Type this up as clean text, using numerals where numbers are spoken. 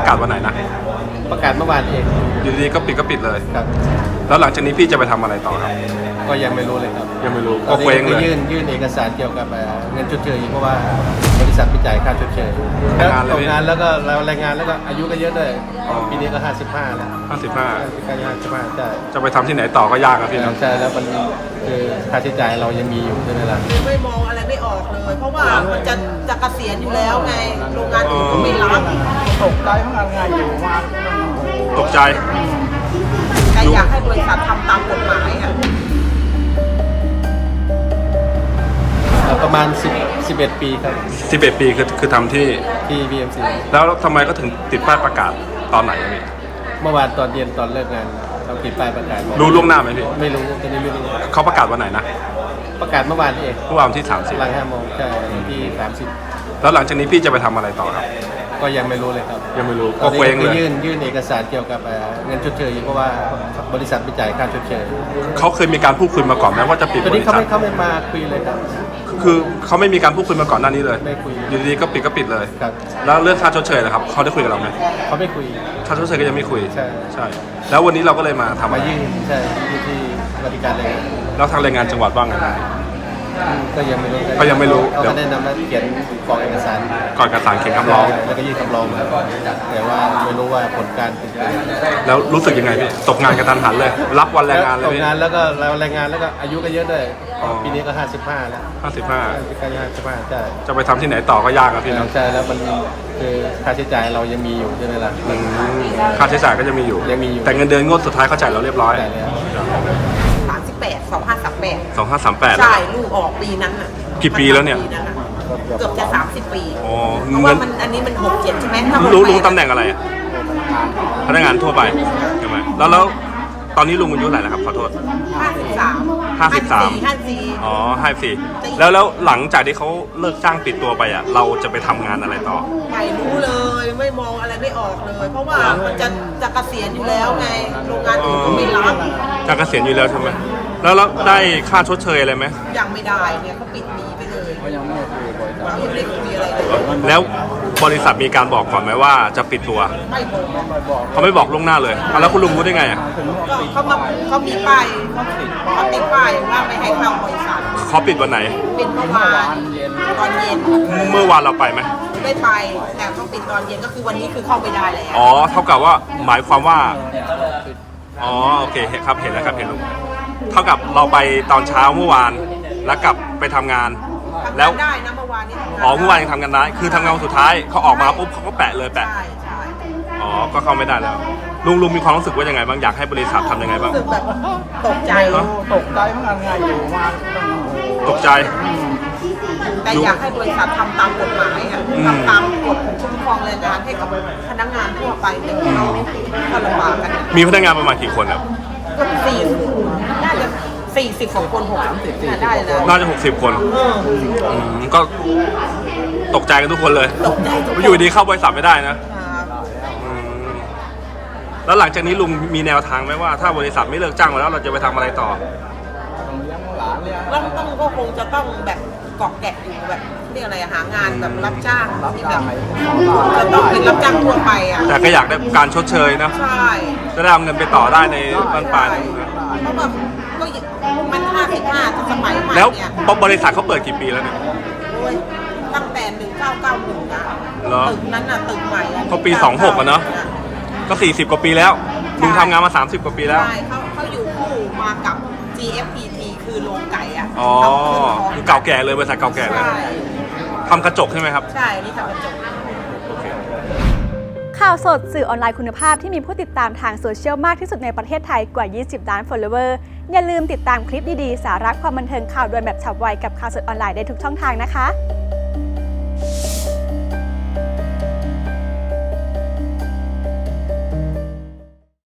ประกาศวันไหนนะประกาศเมื่อวานเองอยู่ดีๆก็ปิดเลยครับแล้วหลังจากนี้พี่จะไปทำอะไรต่อครับก็ยังไม่รู้เลยครับยังไม่รู้ก็เคว้งเลยยื่นเอกสารเกี่ยวกับเงินชดเชยเพราะว่าบริษัทไปจ่ายค่าชดเชยตกงานแล้วก็รายงานแล้วก็อายุก็เยอะด้วยปีนี้ก็55แล้ว55ใช่จะไปทำที่ไหนต่อก็ยากครับพี่นะใช่แล้วมันคือค่าใช้จ่ายเรายังมีอยู่ใช่ไหมล่ะไม่มองอะไรไม่ออกเลยเพราะว่ามันจะเกษียณอยู่แล้วไงโรงงานอื่นก็ไม่รับตกใจเมื่อไงอยู่มาตกใจแต่อยากให้บริษัททำตามกฎหมายอ่ะประมาณ11 ปีครับ 11 ปีคือทำที่ BMC แล้วทำไมก็ถึงติดป้ายประกาศตอนไหนพี่เมื่อวานตอนเย็นตอนเลิกงานเราติดป้ายประกาศรู้ล่วงหน้าไหมพี่ไม่รู้ตอนนี้ไม่รู้เขาประกาศวันไหนนะประกาศเมื่อวานเองเมื่อวานที่30 หลัง5 โมงใช่ที่30 แล้วหลังจากนี้พี่จะไปทำอะไรต่อครับก็ยังไม่รู้เลยครับยังไม่รู้ก็เคว้งเลยยื่นเอกสารเกี่ยวกับเงินชดเชยเพราะว่าบริษัทไปจ่ายค่าชดเชยเขาเคยมีการพูดคุยมาก่อนไหมว่าจะปิดบริษัทเขาไม่มาคุยเลยครับคือเขาไม่มีการพูดคุยมาก่อนหน้านี้เลยไม่คุยอยู่ดีๆก็ปิดเลยครับแล้วเรื่องค่าชดเชยนะครับเขาได้คุยกับเราไหมเขาไม่คุยค่าชดเชยก็ยังไม่คุยใช่แล้ววันนี้เราก็เลยมาทำมายื่นใช่ที่บริการแรงงานแล้วทางแรงงานจังหวัดว่าไงก็ยังไม่รู้เขาแนะนำว่าเขียนกรอกเอกสารก่อนเอกสารเขียนคำร้องแล้วก็ยื่นคำร้องแต่ว่าไม่รู้ว่าผลการเป็นยังไงแล้วรู้สึกยังไงพี่ตกงานกระทันหันเลยรับวันแรงงานเลยตกงานแล้วก็แรงงานแล้วก็อายุก็เยอะด้วยปีนี้ก็55แล้ว 55ใช่จะไปทำที่ไหนต่อก็ยากครับพี่นะใช่แล้วมันคือค่าใช้จ่ายเรายังมีอยู่ใช่ไหมล่ะค่าใช้จ่ายก็ยังมีอยู่แต่เงินเดือนงวดสุดท้ายเขาจ่ายเราเรียบร้อย 2538ใช่ลูกออกปีนั้นอ่ะกี่ปีแล้วเนี่ยเกือบจะ30 ปีเพราะว่ามันอันนี้มัน67ใช่ไหมลุงตำแหน่งอะไรพนักงานทั่วไปใช่ไหมแล้วตอนนี้ลุงอายุเท่าไหร่แล้วครับขอโทษ53อ๋อ54แล้วหลังจากที่เขาเลิกจ้างปิดตัวไปอ่ะเราจะไปทำงานอะไรต่อไม่รู้เลยไม่มองอะไรไม่ออกเลยเพราะว่ามันจะเกษียณอยู่แล้วไงโรงงานอื่นก็ไม่รับจะเกษียณอยู่แล้วใช่ไหมแล้วได้ค่าชดเชยอะไรไหมยังไม่ได้เนี่ยเขาปิดหนีไปเลยยังไม่ได้คุยอะไรเลยแล้วบริษัทมีการบอกก่อนไหมว่าจะปิดตัวไม่บอกเขาไม่บอกล่วงหน้าเลยแล้วคุณลุงรู้ได้ไงอ่ะเขามีป้ายเขาติดป้ายว่าไม่ให้เข้าบริษัทเขาปิดวันไหนปิดเมื่อวานตอนเย็นเมื่อวานเราไปไหมไม่ไปแต่เขาปิดตอนเย็นก็คือวันนี้คือเข้าไม่ได้แล้วเท่ากับว่าหมายความว่าโอเคครับเห็นแล้วครับเห็นลุงเท่ากับเราไปตอนเช้าเมื่อวานแล้วกลับไปทำงานแล้วได้นะเมื่อวานนี้เมื่อวานยังทำกันได้คือทำงานสุดท้ายเขาออกมาปุ๊บเขาก็แปะเลยใช่ก็เข้าไม่ได้แล้วลุงมีความรู้สึกว่ายังไงบ้างอยากให้บริษัททำยังไงบ้างรู้สึกแบบตกใจเมื่อไงอยู่มาตกใจแต่อยากให้บริษัททำตามกฎหมายทำตามกฎคุ้มครองแรงงานให้กับพนักงานทั่วไปเนี่ยเขาลำบากกันมีพนักงานประมาณกี่คนครับก็น่าจะ40 คน60ได้แล้วน่าจะ60 คนก็ตกใจกันทุกคนเลยอยู่ดีเข้าบริษัทไม่ได้นะแล้วหลังจากนี้ลุงมีแนวทางไหมว่าถ้าบริษัทไม่เลิกจ้างแล้วเราจะไปทำอะไรต่อก็คงจะต้องแบบเกาะแกะอยู่แบบเรียกอะไรหางานแบบรับจ้างที่แบบจะต้องเป็นรับจ้างทั่วไปแต่ก็อยากได้การชดเชยนะใช่จะได้เอาเงินไปต่อได้ในบ้านปลายเพราะแบบก็มัน55สมัยใหม่แล้วบริษัทเขาเปิดกี่ปีแล้วเนี่ยตั้งแต่1991นะตึกนั้นน่ะตึกใหม่เขาปี26อะเนาะก็40 กว่าปีแล้วลุงทำงานมา30 กว่าปีแล้วใช่เขาอยู่คู่มากับ GFPT คือโรงไก่คือเก่าแก่เลยบริษัทเก่าแก่เลยทำกระจกใช่ไหมครับใช่นี่ทำกระจกข่าวสดสื่อออนไลน์คุณภาพที่มีผู้ติดตามทางโซเชียลมากที่สุดในประเทศไทยกว่า20 ล้าน follower อย่าลืมติดตามคลิปดีๆสาระความบันเทิงข่าวด่วนแบบฉับไวกับข่าวสดออนไลน์ได้ทุกช่องทางนะคะ